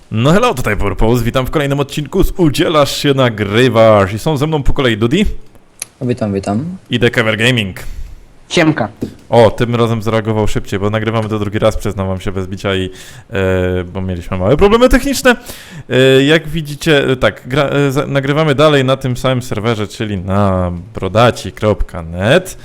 No hello, tutaj Purpose, witam w kolejnym odcinku z Udzielasz się, nagrywasz i są ze mną po kolei Dudi Witam. i The Cover Gaming. Ciemka. O, tym razem zareagował szybciej, bo nagrywamy to drugi raz, przyznam wam się bez bicia i bo mieliśmy małe problemy techniczne. Jak widzicie, tak, nagrywamy dalej na tym samym serwerze, czyli na brodaci.net,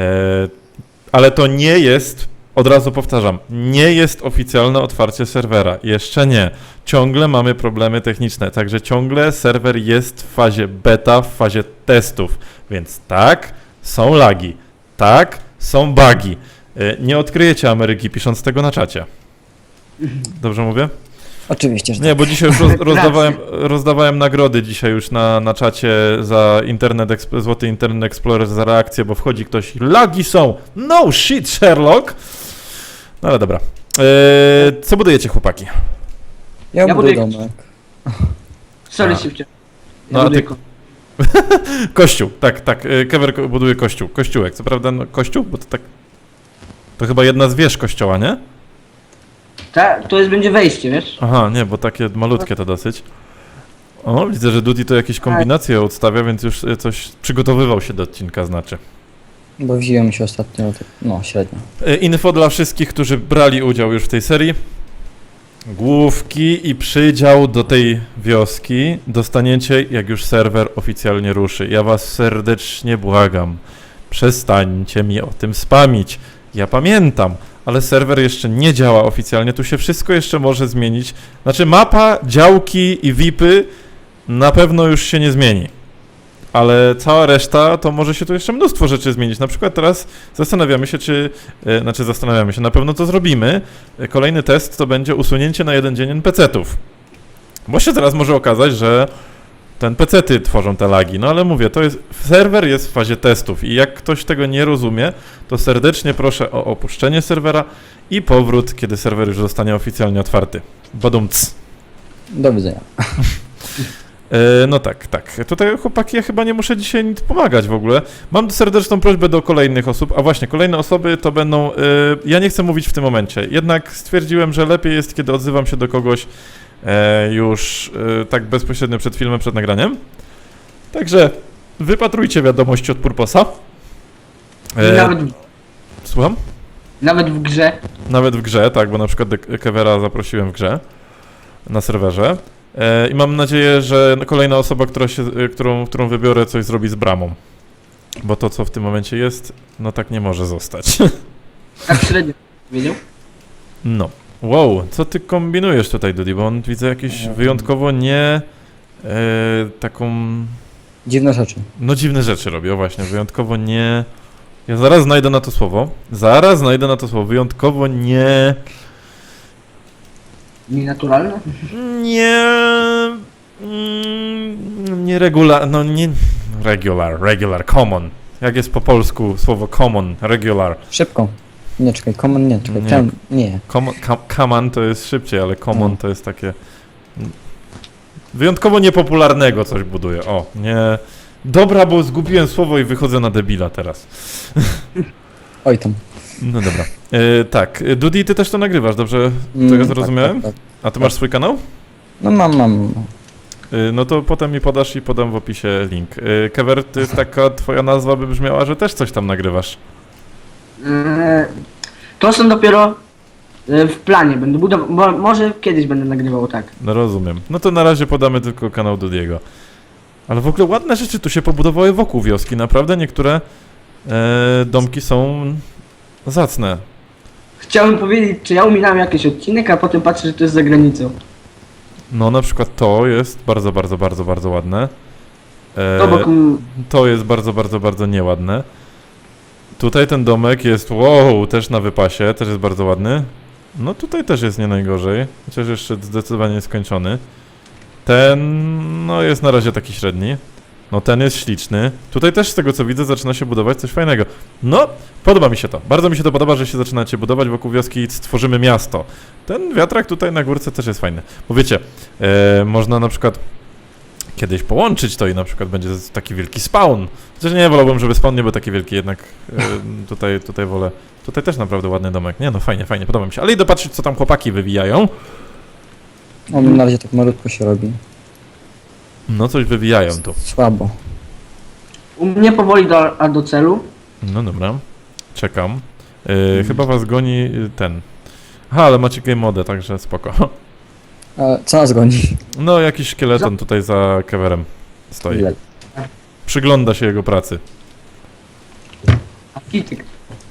ale to nie jest, od razu powtarzam, nie jest oficjalne otwarcie serwera, jeszcze nie. Ciągle mamy problemy techniczne, także ciągle serwer jest w fazie beta, w fazie testów, więc tak, są lagi. Tak, są bugi. Nie odkryjecie Ameryki pisząc tego na czacie. Dobrze mówię? Oczywiście, że Nie, bo dzisiaj już rozdawałem nagrody dzisiaj już na czacie za Złoty Internet Explorer za reakcję, bo wchodzi ktoś i lagi są. No shit, Sherlock. No ale dobra. Co budujecie, chłopaki? Ja buduję buduję domek. Sorry, A. szybciej. No, a ty- Kościół, tak. Kever buduje kościół. Kościółek, co prawda no, kościół, bo to tak... To chyba jedna z wież kościoła, nie? To jest będzie wejście, wiesz? Aha, nie, bo takie malutkie to dosyć. O, widzę, że Duty to jakieś kombinacje odstawia, więc już coś przygotowywał się do odcinka, znaczy. Bo wziąłem się ostatnio, no średnio. Info dla wszystkich, którzy brali udział już w tej serii. Główki i przydział do tej wioski dostaniecie, jak już serwer oficjalnie ruszy. Ja was serdecznie błagam. Przestańcie mi o tym spamić. Ja pamiętam, ale serwer jeszcze nie działa oficjalnie. Tu się wszystko jeszcze może zmienić. Znaczy mapa, działki i VIPy na pewno już się nie zmieni. Ale cała reszta, to może się tu jeszcze mnóstwo rzeczy zmienić. Na przykład teraz zastanawiamy się, na pewno to zrobimy. Kolejny test to będzie usunięcie na jeden dzień NPC-ów. Bo się teraz może okazać, że to NPC-ty tworzą te lagi. No ale mówię, serwer jest w fazie testów i jak ktoś tego nie rozumie, to serdecznie proszę o opuszczenie serwera i powrót, kiedy serwer już zostanie oficjalnie otwarty. Badumc. Do widzenia. No tak. Tutaj chłopaki, ja chyba nie muszę dzisiaj nic pomagać w ogóle. Mam serdeczną prośbę do kolejnych osób, a właśnie kolejne osoby to będą... ja nie chcę mówić w tym momencie, jednak stwierdziłem, że lepiej jest, kiedy odzywam się do kogoś już tak bezpośrednio przed filmem, przed nagraniem. Także wypatrujcie wiadomości od Purposa. Słucham? Nawet w grze. Nawet w grze, tak, bo na przykład Kevera zaprosiłem w grze na serwerze. I mam nadzieję, że kolejna osoba, którą wybiorę, coś zrobi z bramą. Bo to, co w tym momencie jest, no tak nie może zostać. Tak średnio. Wiedział? No. Wow, co ty kombinujesz tutaj, Dudi? Bo on widzę jakieś wyjątkowo nie... taką... Dziwne rzeczy. No dziwne rzeczy robi, o właśnie, wyjątkowo nie... Ja zaraz znajdę na to słowo. Wyjątkowo nie... Nienaturalne? Regular, common. Jak jest po polsku słowo common, regular. Szybko. Nie, czekaj, common nie, czekaj, Nie. ten, nie. Common to jest szybciej, ale common to jest takie... Wyjątkowo niepopularnego coś buduje, o, nie... Dobra, bo zgubiłem słowo i wychodzę na debila teraz. Oj tam. No dobra. Tak, Dudi, ty też to nagrywasz, dobrze to ja zrozumiałem? Tak. A ty masz swój kanał? No mam. No to potem mi podasz i podam w opisie link. Kever, ty taka twoja nazwa by brzmiała, że też coś tam nagrywasz. To są dopiero w planie. Będę budował. Może kiedyś będę nagrywał, tak. No rozumiem. No to na razie podamy tylko kanał Dudiego. Ale w ogóle ładne rzeczy tu się pobudowały wokół wioski. Naprawdę niektóre domki są zacne. Chciałem powiedzieć, czy ja ominąłem jakiś odcinek, a potem patrzę, że to jest za granicą. No na przykład to jest bardzo ładne. Obok To jest bardzo nieładne. Tutaj ten domek jest, wow, też na wypasie, też jest bardzo ładny. No tutaj też jest nie najgorzej, chociaż jeszcze zdecydowanie nieskończony. Ten, no jest na razie taki średni. No ten jest śliczny. Tutaj też z tego co widzę zaczyna się budować coś fajnego. No, podoba mi się to. Bardzo mi się to podoba, że się zaczynacie budować wokół wioski i stworzymy miasto. Ten wiatrak tutaj na górce też jest fajny. Bo wiecie, można na przykład kiedyś połączyć to i na przykład będzie taki wielki spawn. Chociaż nie, wolałbym, żeby spawn nie był taki wielki, jednak tutaj wolę. Tutaj też naprawdę ładny domek. Nie no, fajnie, podoba mi się. Ale idę patrzeć, co tam chłopaki wywijają. O, na razie tak malutko się robi. No coś wywijają tu. Słabo. U mnie powoli do celu. No dobra, czekam. Chyba was goni ten. Aha, ale macie game modę, także spoko. Ale co nas goni? No jakiś szkieleton tutaj za kewerem stoi. Ile? Przygląda się jego pracy. A kityk.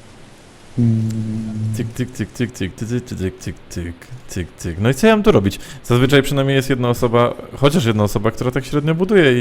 Tyk, tyk, tyk, tyk, tyk, tyk, tyk, tyk, tyk, tyk, tyk, tyk. No i co ja mam tu robić? Zazwyczaj przynajmniej jest jedna osoba, chociaż jedna osoba, która tak średnio buduje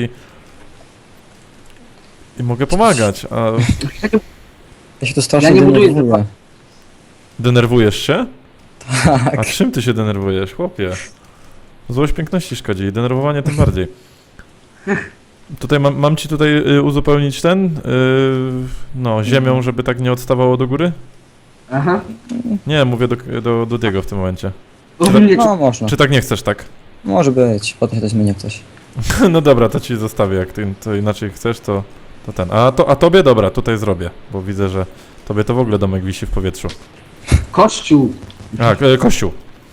i mogę pomagać, a Ja się tu strasznie Ja nie buduję denerwuję. denerwujesz się? Tak. A czym ty się denerwujesz, chłopie? Złość piękności szkodzi i denerwowanie tym bardziej. Tutaj mam ci tutaj uzupełnić ten, no, ziemią, żeby tak nie odstawało do góry? Aha. Nie, mówię do Diego w tym momencie. U mnie No można. Czy tak nie chcesz, tak? Może być. Potem się to zmieni coś. No dobra, to ci zostawię, jak ty to inaczej chcesz, to ten. A tobie dobra, tutaj zrobię, bo widzę, że tobie to w ogóle domek wisi w powietrzu. kościół. A, kościół.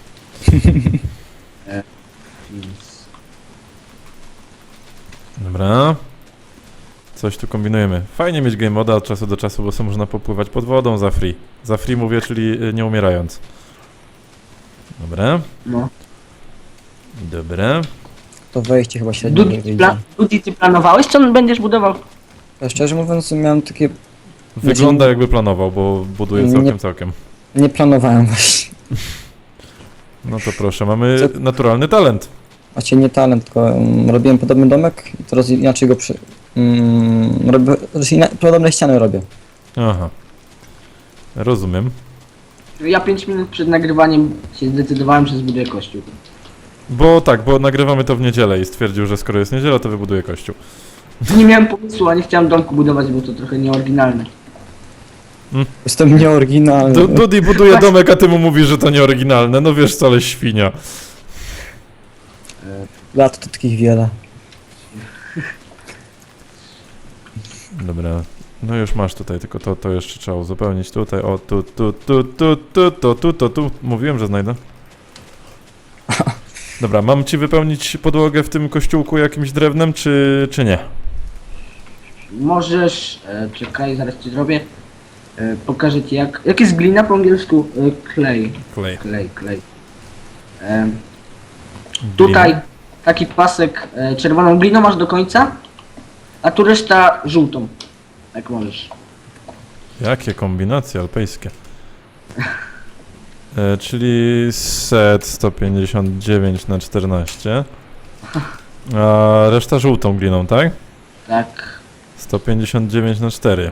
Dobra. Coś tu kombinujemy. Fajnie mieć game moda od czasu do czasu, bo sobie można popływać pod wodą za free. Za free mówię, czyli nie umierając. Dobra. No. Dobra. To wejście chyba średnio nie wyjdzie. Dudi, ty planowałeś, co będziesz budował? Ja szczerze mówiąc miałem takie... Wygląda jakby planował, bo buduje całkiem. Nie planowałem właśnie. No to proszę, mamy naturalny talent. Właściwie nie talent, tylko robiłem podobny domek i teraz inaczej go robię, podobne ściany robię. Aha. Rozumiem. Ja 5 minut przed nagrywaniem się zdecydowałem, że zbuduję kościół. Bo nagrywamy to w niedzielę i stwierdził, że skoro jest niedziela, to wybuduje kościół. Nie miałem pomysłu, a nie chciałem domku budować, bo to trochę nieoryginalne. Jestem nieoryginalny. Dudi buduje domek, a ty mu mówisz, że to nieoryginalne. No wiesz co, ale świnia. Lat to takich wiele. Dobra. No już masz tutaj, tylko to jeszcze trzeba uzupełnić tutaj. O, tu. Mówiłem, że znajdę. Dobra, mam ci wypełnić podłogę w tym kościółku jakimś drewnem, czy nie? Możesz... czekaj, zaraz ci zrobię. Pokażę ci jak jest glina po angielsku? Clay. Klej. Tutaj taki pasek czerwoną gliną masz do końca, a tu reszta żółtą. Jak możesz. Jakie kombinacje alpejskie. Czyli set 159 na 14. A reszta żółtą gliną, tak? Tak. 159 na 4.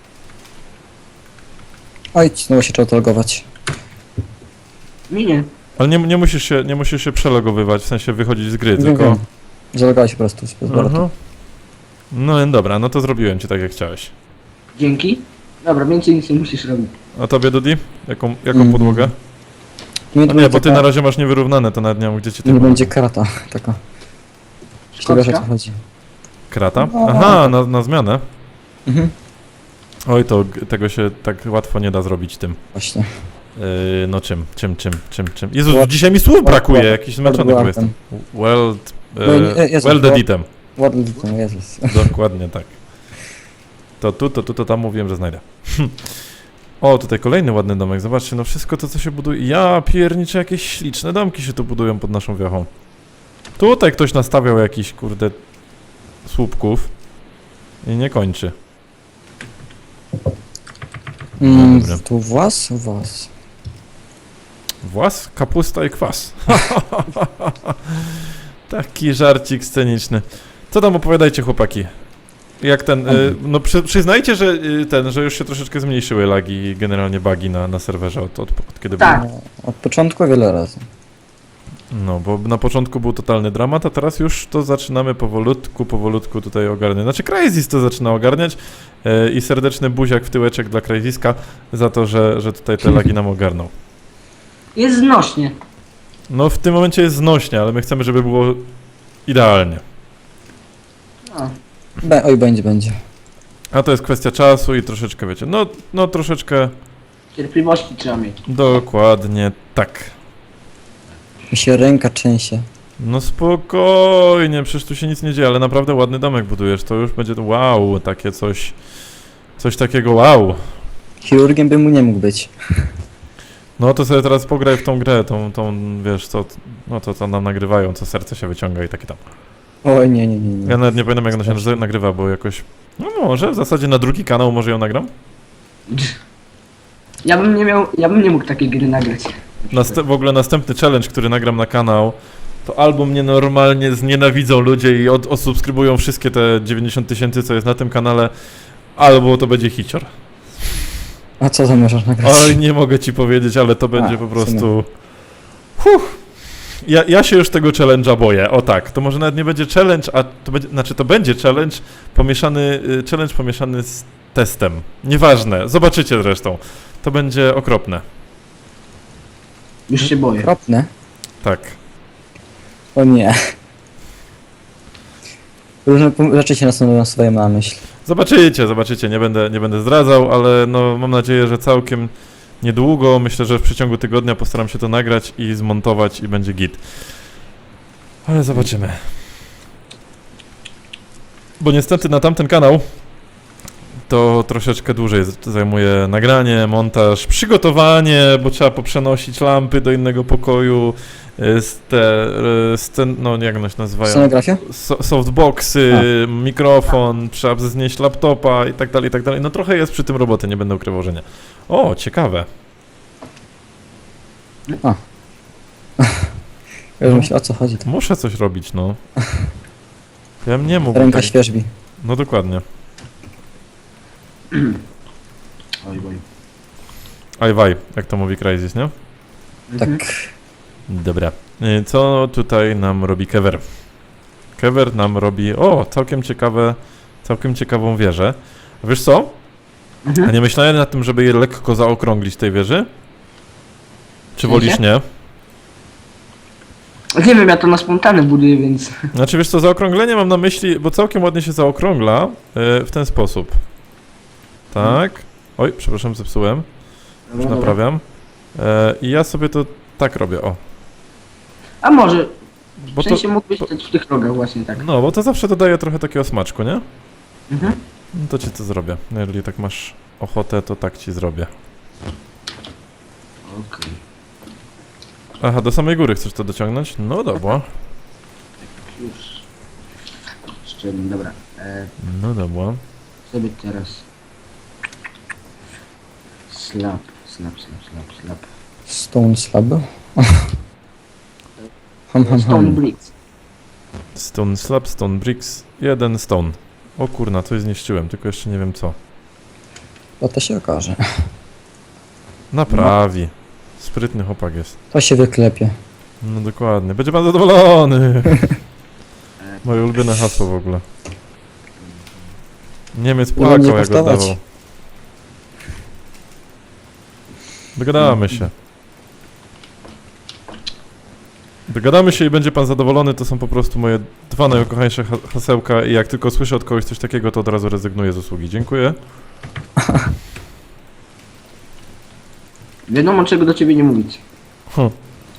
Oj, znowu się trzeba to logować. Minie. Ale nie musisz się przelogowywać, w sensie wychodzić z gry, Wiem, tylko... wiem. Zalogowałeś po prostu. Bez Aha. balatu. No dobra, no to zrobiłem ci tak jak chciałeś. Dzięki. Dobra, więcej nic nie musisz robić. A tobie, Dudi? Jaką podłogę? Nie, No nie, bo ty na razie masz niewyrównane, to nawet nie wiem, gdzie ci Nie ty będzie karata taka. Jeśli wiesz o co chodzi. Krata? No. Aha, na zmianę. Mhm. Oj, to tego się tak łatwo nie da zrobić tym. Właśnie. No czym? Jezus, Word- dzisiaj mi słów brakuje, Word- jakiś zmęczony Word- chyba jestem. Weld... Jezu, Welded item. Ładny ten, Jezus. Dokładnie tak. To tam mówiłem, że znajdę. O, tutaj kolejny ładny domek, zobaczcie, no wszystko to, co się buduje. Ja pierniczę, jakieś śliczne domki się tu budują pod naszą wiochą. Tutaj ktoś nastawiał jakiś, kurde, słupków i nie kończy. Dobra. Tu włas? Włas, kapusta i kwas. Taki żarcik sceniczny. Co tam opowiadajcie, chłopaki? Jak ten, no przyznajcie, że że już się troszeczkę zmniejszyły lagi i generalnie bugi na serwerze od kiedy Tak. były. No, od początku wiele razy. No, bo na początku był totalny dramat, a teraz już to zaczynamy powolutku tutaj ogarniać. Znaczy Crysis to zaczyna ogarniać i serdeczny buziak w tyłeczek dla Crysiska za to, że tutaj te lagi nam ogarnął. Jest znośnie. No w tym momencie jest znośnie, ale my chcemy, żeby było idealnie. No. Oj, będzie. A to jest kwestia czasu i troszeczkę, wiecie, no troszeczkę Cierpliwości trzeba mieć. dokładnie tak. Mi się ręka trzęsie. No spokojnie, przecież tu się nic nie dzieje, ale naprawdę ładny domek budujesz, to już będzie wow, takie coś... Coś takiego wow. Chirurgiem bym mu nie mógł być. No to sobie teraz pograj w tą grę, tą wiesz, no to co nam nagrywają, co serce się wyciąga i takie tam. Oj, nie. Ja nawet nie pamiętam jak ona się nagrywa, bo jakoś... No może, w zasadzie na drugi kanał może ją nagram? Ja bym nie mógł takiej gry nagrać. W ogóle następny challenge, który nagram na kanał, to albo mnie normalnie znienawidzą ludzie i odsubskrybują wszystkie te 90 000, co jest na tym kanale, albo to będzie hicior. A co zamierzasz nagrać? Oj, nie mogę ci powiedzieć, ale to będzie po w prostu... Ja się już tego challenge'a boję, o tak. To może nawet nie będzie challenge, a to będzie, znaczy to będzie challenge pomieszany z testem. Nieważne, zobaczycie zresztą. To będzie okropne. Już się boję. Okropne. Tak. O nie. Różne rzeczy się nasuwają na myśl. Zobaczycie, nie będę zdradzał, ale no mam nadzieję, że całkiem niedługo, myślę, że w przeciągu tygodnia postaram się to nagrać i zmontować i będzie git. Ale zobaczymy. Bo niestety na tamten kanał to troszeczkę dłużej zajmuje nagranie, montaż, przygotowanie, bo trzeba poprzenosić lampy do innego pokoju, no jak one się nazywają? Scenografia? Softboxy, mikrofon, trzeba znieść laptopa i tak dalej, i tak dalej. No trochę jest przy tym roboty, nie będę ukrywał, że nie. O, ciekawe. Ja już myślę, o co chodzi. To. Muszę coś robić, no. Ja bym nie mógł. Ręka tak... świeżbi. No dokładnie. Oj, boj. Ajwaj, jak to mówi Crysis, nie? Tak. Dobra. Co tutaj nam robi Kever? Kever nam robi, całkiem ciekawą wieżę. A wiesz co? A nie myślałem nad tym, żeby je lekko zaokrąglić tej wieży? Czy wolisz nie? Nie wiem, ja to na spontane buduję, więc... Znaczy wiesz co, zaokrąglenie mam na myśli, bo całkiem ładnie się zaokrągla w ten sposób. Tak. Oj, przepraszam, zepsułem. Już Dobra. naprawiam. I ja sobie to tak robię, o. A może, Bo w sensie mógłbyś stać w tych rogach właśnie tak. No, bo to zawsze dodaje trochę takiego smaczku, nie? Mhm. No to ci to zrobię. No, jeżeli tak masz ochotę, to tak ci zrobię. Okej. Aha, do samej góry chcesz to dociągnąć? No dobra. Już. Szczelnie, dobra. No dobra. Sobie teraz... Slap. Stone slab. Stone bricks. Stone slab, stone bricks, 1 stone. O kurna, coś zniszczyłem, tylko jeszcze nie wiem co. O, to się okaże. Naprawi. Sprytny chłopak jest. To się wyklepie. No dokładnie. Będzie pan zadowolony. Moje ulubione hasło w ogóle. Niemiec Nie będzie płakał jak kosztować. oddawał. Dogadamy się. Dogadamy się i będzie pan zadowolony, to są po prostu moje dwa najukochańsze hasełka i jak tylko słyszę od kogoś coś takiego, to od razu rezygnuję z usługi. Dziękuję. Wiadomo czego do ciebie nie mówić. Hm.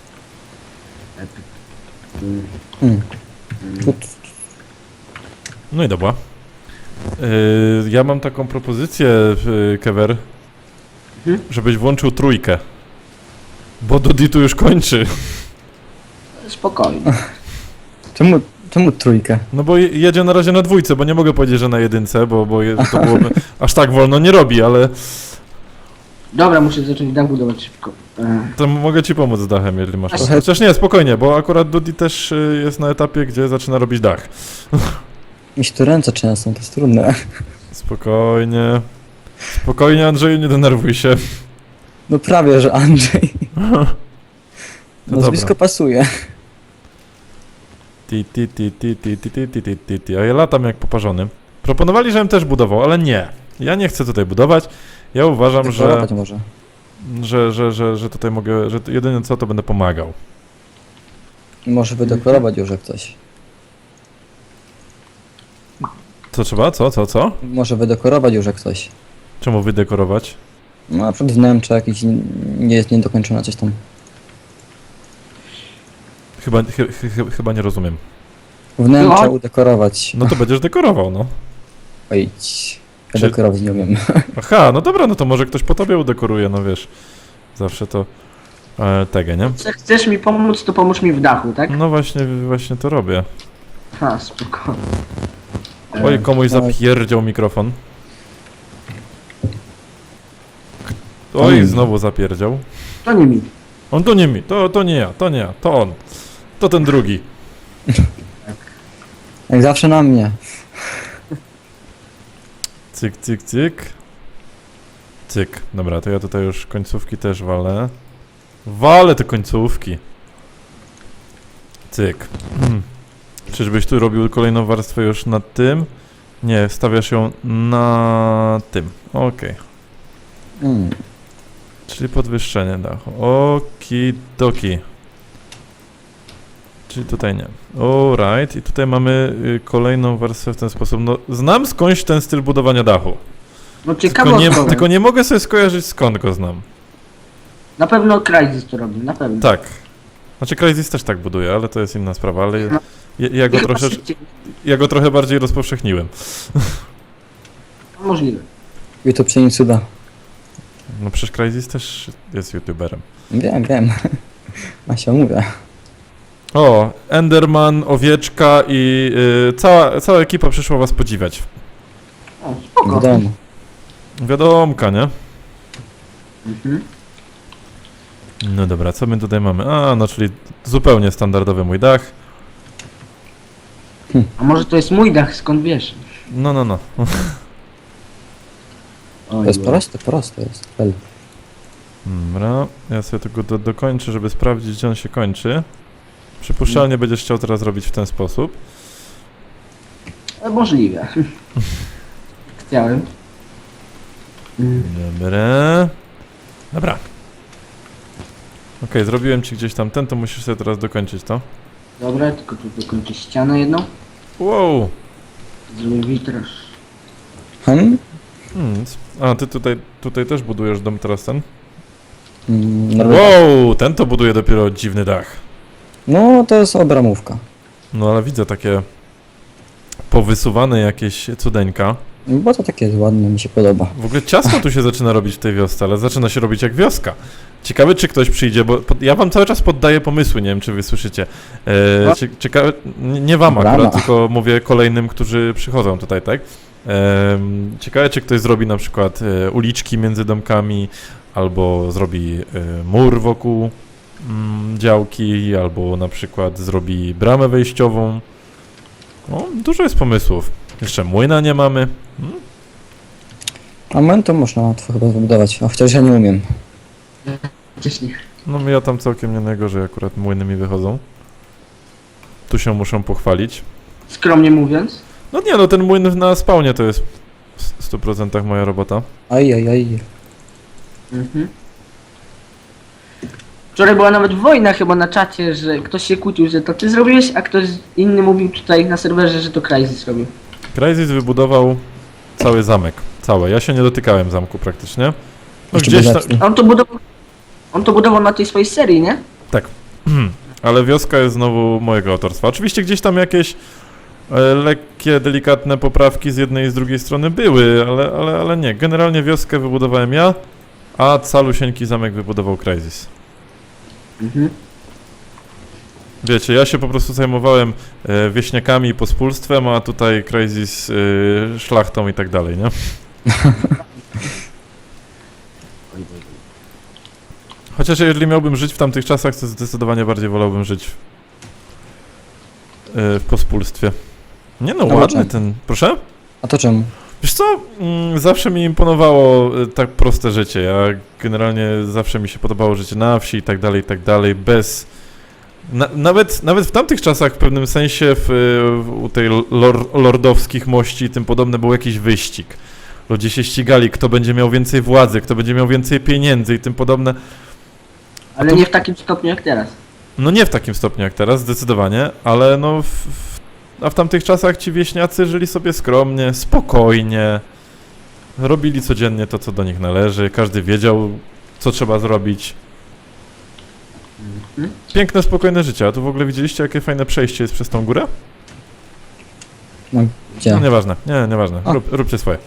No i dobra. Ja mam taką propozycję, Kever, żebyś włączył trójkę. Bo Dodi tu już kończy. Spokojnie. Czemu trójkę? No bo jedzie na razie na dwójce, bo nie mogę powiedzieć, że na jedynce, bo to byłoby... Aż tak wolno nie robi, ale Dobra, muszę zacząć dach budować szybko. to mogę ci pomóc z dachem, jeżeli masz. Trochę- Chociaż nie, spokojnie, bo akurat Dodi też jest na etapie, gdzie zaczyna robić dach. Mi się tu ręce trzęsą, to jest trudne. Spokojnie. Spokojnie, Andrzeju, nie denerwuj się. No prawie, że Andrzej. No Nazwisko pasuje. A ja latam jak poparzony. Proponowali, żebym też budował, ale nie. Ja nie chcę tutaj budować. Ja uważam, że Dekorować może. że tutaj mogę, że jedynie co, to będę pomagał. Może wydekorować już jak coś. Co trzeba? Co? Może wydekorować już jak coś. Czemu wydekorować? No na przykład wnętrze jakieś nie jest niedokończone coś tam. Chyba nie rozumiem. Wnętrze No. udekorować. No to będziesz dekorował, no. Oj, ja Czy- dekorować nie umiem. Aha, no dobra, no to może ktoś po tobie udekoruje, no wiesz. Zawsze to tego, nie? Chcesz mi pomóc, to pomóż mi w dachu, tak? No właśnie to robię. Ha, spoko. Oj, komuś no. zapierdział mikrofon. Oj, znowu zapierdział. To nie mi. On to nie mi, to nie ja, to on. To ten drugi. Jak zawsze na mnie. Cyk, cyk, cyk. Cyk. Dobra, to ja tutaj już końcówki też walę. Walę te końcówki. Cyk. Czyżbyś tu robił kolejną warstwę już nad tym? Nie, stawiasz ją na tym. Okej. Mm. Czyli podwyższenie dachu. Okidoki. Czyli tutaj nie. Alright. I tutaj mamy kolejną warstwę w ten sposób. No, znam skądś ten styl budowania dachu. No ciekawe Tylko nie mogę sobie skojarzyć, skąd go znam. Na pewno Crysis to robi, na pewno. Tak. Znaczy Crysis też tak buduje, ale to jest inna sprawa, ale No. ja go ja go trochę bardziej rozpowszechniłem. Możliwe. YouTube się nie cuda. No przecież Crysis też jest youtuberem. Wiem. A się mówię. O, Enderman, Owieczka i cała ekipa przyszła was podziwiać. O, spoko. Wiadomo. Wiadomka, nie? Mhm. No dobra, co my tutaj mamy? A, no czyli zupełnie standardowy mój dach. A może to jest mój dach, skąd wiesz? No. To jest proste jest. Fel. Dobra, ja sobie tego dokończę, żeby sprawdzić, gdzie on się kończy. Przypuszczalnie będziesz chciał teraz robić w ten sposób. Możliwe. Chciałem. Dobra. Okej, zrobiłem ci gdzieś tam ten, to musisz sobie teraz dokończyć to. Dobra, tylko tu dokończę ścianę jedną. Wow! Zrobię witraż. A, ty tutaj też budujesz dom teraz ten? No, Wow! Ten to buduje dopiero dziwny dach. no to jest obramówka. No ale widzę takie powysuwane jakieś cudeńka. Bo to takie ładne, mi się podoba. W ogóle ciasno tu się zaczyna robić w tej wiosce, ale zaczyna się robić jak wioska. Ciekawe, czy ktoś przyjdzie, bo ja wam cały czas poddaję pomysły, nie wiem, czy wy słyszycie. Ciekawe, nie wam Brama. akurat, tylko mówię kolejnym, którzy przychodzą tutaj, tak? Ciekawe, czy ktoś zrobi na przykład uliczki między domkami, albo zrobi mur wokół działki, albo na przykład zrobi bramę wejściową. No, dużo jest pomysłów. Jeszcze młyna nie mamy. A młyn to można łatwo chyba zbudować, a chociaż ja nie umiem. Wcześniej. No ja tam całkiem nie najgorzej, akurat młyny mi wychodzą. Tu się muszą pochwalić. Skromnie mówiąc. No nie, no ten młyn na spawnie to jest w 100% moja robota. Aj. Mhm. Wczoraj była nawet wojna chyba na czacie, że ktoś się kłócił, że to ty zrobiłeś, a ktoś inny mówił tutaj na serwerze, że to Crysis robił. Crysis wybudował cały zamek. Całe. Ja się nie dotykałem zamku praktycznie. No Jeszcze gdzieś tam... dodatki. A on to budował na tej swojej serii, nie? Tak. Ale wioska jest znowu mojego autorstwa. Oczywiście gdzieś tam jakieś lekkie, delikatne poprawki z jednej i z drugiej strony były, ale nie. Generalnie wioskę wybudowałem ja, a calusieńki zamek wybudował Crysis. Mhm. Wiecie, ja się po prostu zajmowałem wieśniakami i pospólstwem, a tutaj Crysis szlachtą i tak dalej, nie? Chociaż jeżeli miałbym żyć w tamtych czasach, to zdecydowanie bardziej wolałbym żyć w pospólstwie. Nie no, A ładny czemu? ten... Proszę? A to czemu? Wiesz co, zawsze mi imponowało tak proste życie. Ja generalnie zawsze mi się podobało życie na wsi i tak dalej, bez... Nawet w tamtych czasach w pewnym sensie u tej lordowskich mości i tym podobne był jakiś wyścig. Ludzie się ścigali, kto będzie miał więcej władzy, kto będzie miał więcej pieniędzy i tym podobne. Ale nie w takim stopniu jak teraz. No nie w takim stopniu jak teraz, zdecydowanie, ale no a w tamtych czasach ci wieśniacy żyli sobie skromnie, spokojnie, robili codziennie to, co do nich należy, każdy wiedział, co trzeba zrobić. Piękne, spokojne życie. A tu w ogóle widzieliście, jakie fajne przejście jest przez tą górę? No, gdzie? No, nieważne, nieważne. A. Róbcie swoje.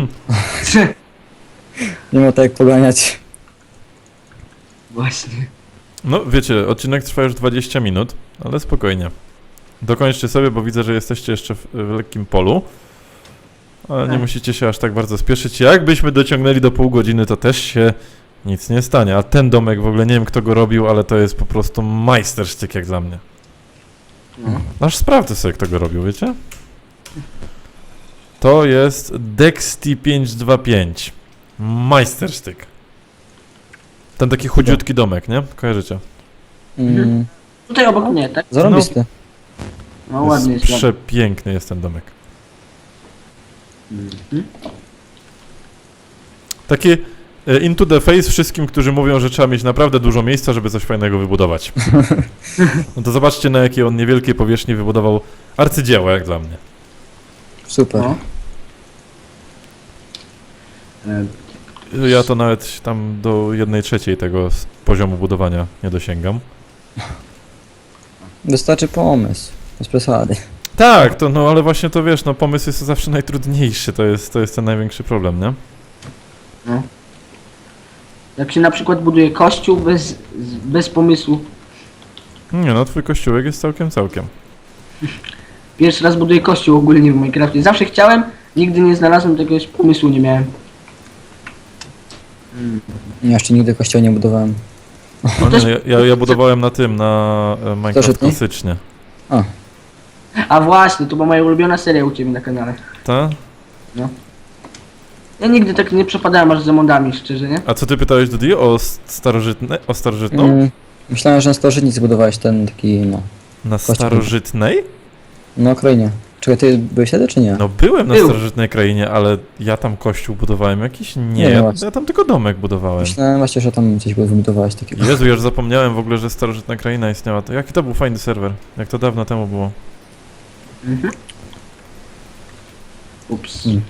Nie ma tak jak poganiać. Właśnie. No, wiecie, odcinek trwa już 20 minut, ale spokojnie. Dokończcie sobie, bo widzę, że jesteście jeszcze w lekkim polu. Ale nie Tak. musicie się aż tak bardzo spieszyć. Jakbyśmy dociągnęli do pół godziny, to też się nic nie stanie. A ten domek w ogóle nie wiem, kto go robił, ale to jest po prostu majstersztyk jak dla mnie. No. Aż sprawdzę sobie, kto go robił, wiecie? To jest Dexty525. Majstersztyk. Ten taki chudziutki domek, nie? Kojarzycie? Mm, Tutaj obok mnie, tak? zarąbisty. No ładny jest. Przepiękny jest ten domek. Mhm. Taki into the face wszystkim, którzy mówią, że trzeba mieć naprawdę dużo miejsca, żeby coś fajnego wybudować. No to zobaczcie, na jakiej on niewielkiej powierzchni wybudował arcydzieło, jak dla mnie. Super. No. E, Ja to nawet tam do 1/3 tego poziomu budowania nie dosięgam. Wystarczy pomysł. Bez przesady. Tak, to no ale właśnie to wiesz, no pomysł jest zawsze najtrudniejszy, to jest ten największy problem, nie? No. Jak się na przykład buduje kościół bez pomysłu. Nie no, twój kościółek jest całkiem. Pierwszy raz buduję kościół ogólnie w Minecrafcie. Zawsze chciałem, nigdy nie znalazłem jakiegoś pomysłu, nie miałem. Ja jeszcze nigdy kościoła nie budowałem. No, nie, no, ja budowałem na tym, na Minecraft Starożytny? klasycznie. A, A właśnie, to była moja ulubiona seria u Ciebie na kanale. Ta? Ja nigdy tak nie przepadałem aż za modami, szczerze, nie? A co ty pytałeś, Dudi, o starożytną? myślałem, że na starożytnicy budowałeś ten taki, no. Na starożytnej? No, krainie. Czekaj, ty byłeś wtedy, czy nie? No byłem na Był. starożytnej krainie, ale ja tam kościół budowałem jakiś? Nie, Nie, ja, właśnie. ja tam tylko domek budowałem. Myślałem właśnie, że tam coś wybudowałeś takiego. Jezu, ja już zapomniałem w ogóle, że starożytna kraina istniała. To jaki to był fajny serwer? Jak to dawno temu było? Mhm. Ups. Mm.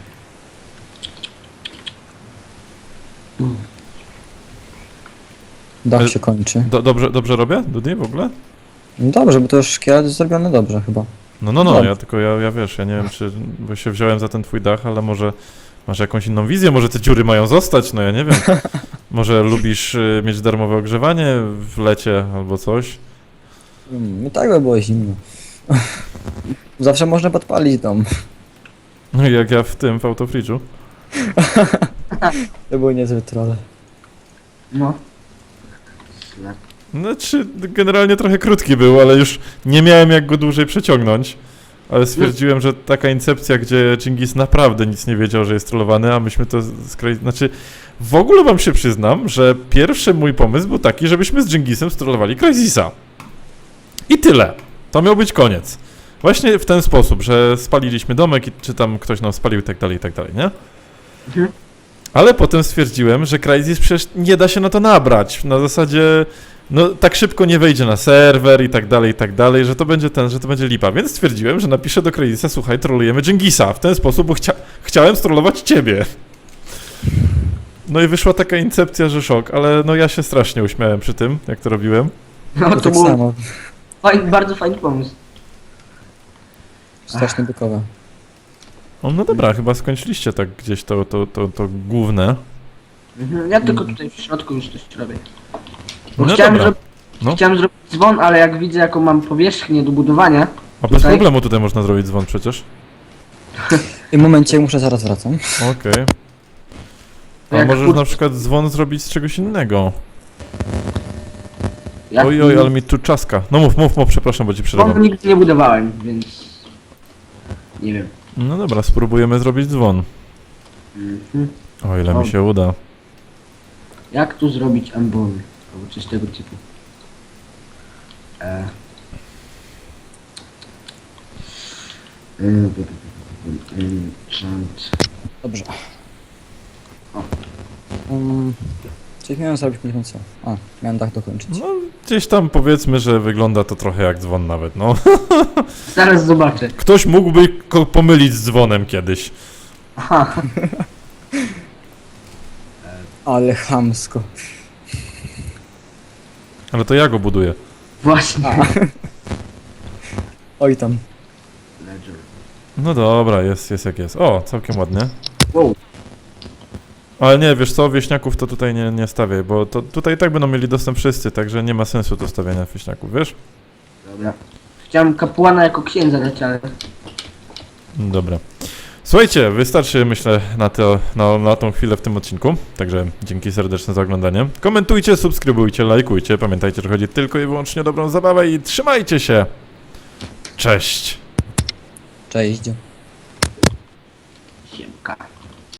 Dach Ale- się kończy. Dobrze robię, Dudi, w ogóle? No dobrze, bo to już szkielet jest zrobiony dobrze chyba. No, Dobrze. ja tylko, ja wiesz, ja nie wiem, czy, bo się wziąłem za ten twój dach, ale może masz jakąś inną wizję, może te dziury mają zostać, no ja nie wiem. Może lubisz mieć darmowe ogrzewanie w lecie albo coś? I tak by było zimno. Zawsze można podpalić dom. No i jak ja w autofridżu. To były niezłe trolle. No. Slap. Znaczy, generalnie trochę krótki był, ale już nie miałem jak go dłużej przeciągnąć. Ale stwierdziłem, że taka incepcja, gdzie Dżingis naprawdę nic nie wiedział, że jest trollowany, a myśmy to Znaczy, w ogóle wam się przyznam, że pierwszy mój pomysł był taki, żebyśmy z Dżingisem strollowali Crysisa. I tyle. To miał być koniec. Właśnie w ten sposób, że spaliliśmy domek i czy tam ktoś nam spalił i tak dalej, nie? Mhm. Ale potem stwierdziłem, że Crysis przecież nie da się na to nabrać. Na zasadzie, no tak szybko nie wejdzie na serwer i tak dalej, że to będzie że to będzie lipa. Więc stwierdziłem, że napiszę do Crysisa, słuchaj, trolujemy Dżingisa. W ten sposób, bo chciałem strollować ciebie. No i wyszła taka incepcja, że szok, ale no ja się strasznie uśmiałem przy tym, jak to robiłem. No To to tak był samo. bardzo fajny pomysł. Strasznie bykowe. No dobra, chyba skończyliście tak gdzieś to główne. Mhm. Ja tylko tutaj w środku już coś robię. Bo No chciałem, dobra. No. chciałem zrobić dzwon, ale jak widzę jaką mam powierzchnię do budowania, A bez Tutaj? problemu tutaj można zrobić dzwon przecież. W tym momencie muszę zaraz wracam. Okej. A Jak możesz kur- na przykład dzwon zrobić z czegoś innego. jak Oj, ale mi tu czaska. No mów, przepraszam, bo ci dzwonu przerywam. nigdy nie budowałem, więc nie wiem. No dobra, spróbujemy zrobić dzwon. Mhm. O ile mi się uda. Jak tu zrobić ambony? Albo coś tego typu. Enchant. Dobrze. O. Coś miałem zrobić, nie wiem co. A, miałem dach dokończyć. No gdzieś tam powiedzmy, że wygląda to trochę jak dzwon nawet, no. Zaraz zobaczę. Ktoś mógłby pomylić z dzwonem kiedyś. Aha. Ale chamsko. Ale to ja go buduję. Właśnie. Oj tam. Ledger. No dobra, jest jak jest. O, całkiem ładnie. Wow. Ale nie, wiesz co, wieśniaków to tutaj nie stawiaj, bo to tutaj i tak będą mieli dostęp wszyscy, także nie ma sensu to stawiania wieśniaków, wiesz? Dobra. Chciałem kapłana jako księdza dać, ale... Dobra. Słuchajcie, wystarczy myślę na tą chwilę w tym odcinku, także dzięki serdeczne za oglądanie. Komentujcie, subskrybujcie, lajkujcie, pamiętajcie, że chodzi tylko i wyłącznie o dobrą zabawę i trzymajcie się! Cześć! Cześć. Siemka.